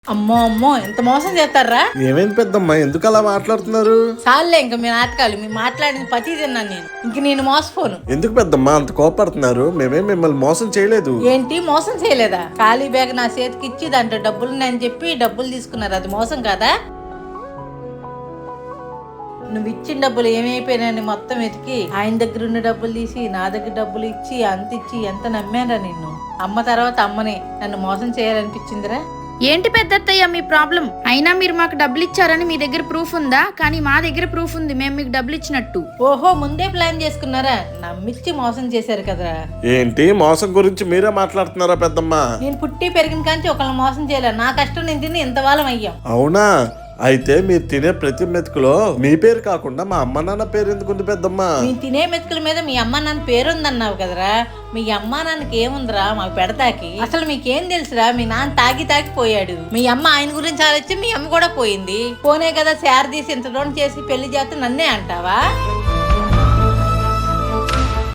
అమ్మో అమ్మో ఎంత మోసం చేస్తారా? ఏమైంది పెద్దమ్మా, ఎందుకు అలా మాట్లాడుతున్నారు? చాలే ఇంక మీ నాటకాలు, మీ మాట్లాడిన పతి తిన్నాను నేను. ఇంక నేను మోసపోను. ఎందుకు పెద్దమ్మా అంత కోపడుతున్నారు? మేమేం మిమ్మల్ని మోసం చేయలేదు. ఏంటి మోసం చేయలేదా? ఖాళీ బ్యాగ్ నా చేతికి ఇచ్చి దాంట్లో డబ్బులున్నాయని చెప్పి డబ్బులు తీసుకున్నారు, అది మోసం కాదా? నువ్వు ఇచ్చిన డబ్బులు ఏమైపోయినాయని మొత్తం వెతికి ఆయన దగ్గర ఉన్న డబ్బులు తీసి నా దగ్గర డబ్బులు ఇచ్చి అంత ఇచ్చి ఎంత నమ్మారా నిన్ను. అమ్మ తర్వాత అమ్మనే నన్ను మోసం చేయాలనిపించిందిరా. ఏంటి పెద్దత్తయ్య మీ ప్రాబ్లం? అయినా మీరు మాకు డబ్బులు ఇచ్చారని మీ దగ్గర ప్రూఫ్ ఉందా? కానీ మా దగ్గర ప్రూఫ్ ఉంది, మేము మీకు డబ్బులు ఇచ్చినట్టు. ఓహో, ముందే ప్లాన్ చేసుకున్నారా? నమ్మిచ్చి మోసం చేశారు కదరా. ఏంటి మోసం గురించి మీరే మాట్లాడుతున్నారా పెద్దమ్మా? నేను పుట్టి పెరిగిన కాంచి ఒకళ్ళని మోసం చేయలే. నా కష్టం నేను తిని ఇంత వాళ్ళం అయ్యాం. అవునా? అయితే మీరు తినే ప్రతి మెతుకులో మీ పేరు కాకుండా మా అమ్మ నాన్న పేరు ఎందుకుంది పెద్దమ్మా? నేను తినే మెతుకుల మీద మీ అమ్మ నాన్న పేరుందన్నావు కదరా. మీ అమ్మ నాన్నకి ఏముందిరా మాకు పెడతాకి? అసలు మీకేం తెలుసురా? మీ నాన్న తాగి పోయాడు. మీ అమ్మ ఆయన గురించి ఆలోచి మీ అమ్మ కూడా పోయింది. పోనే కదా శారదీసి ఇంత దూరం చేసి పెళ్లి చేస్తే నన్నే అంటావా?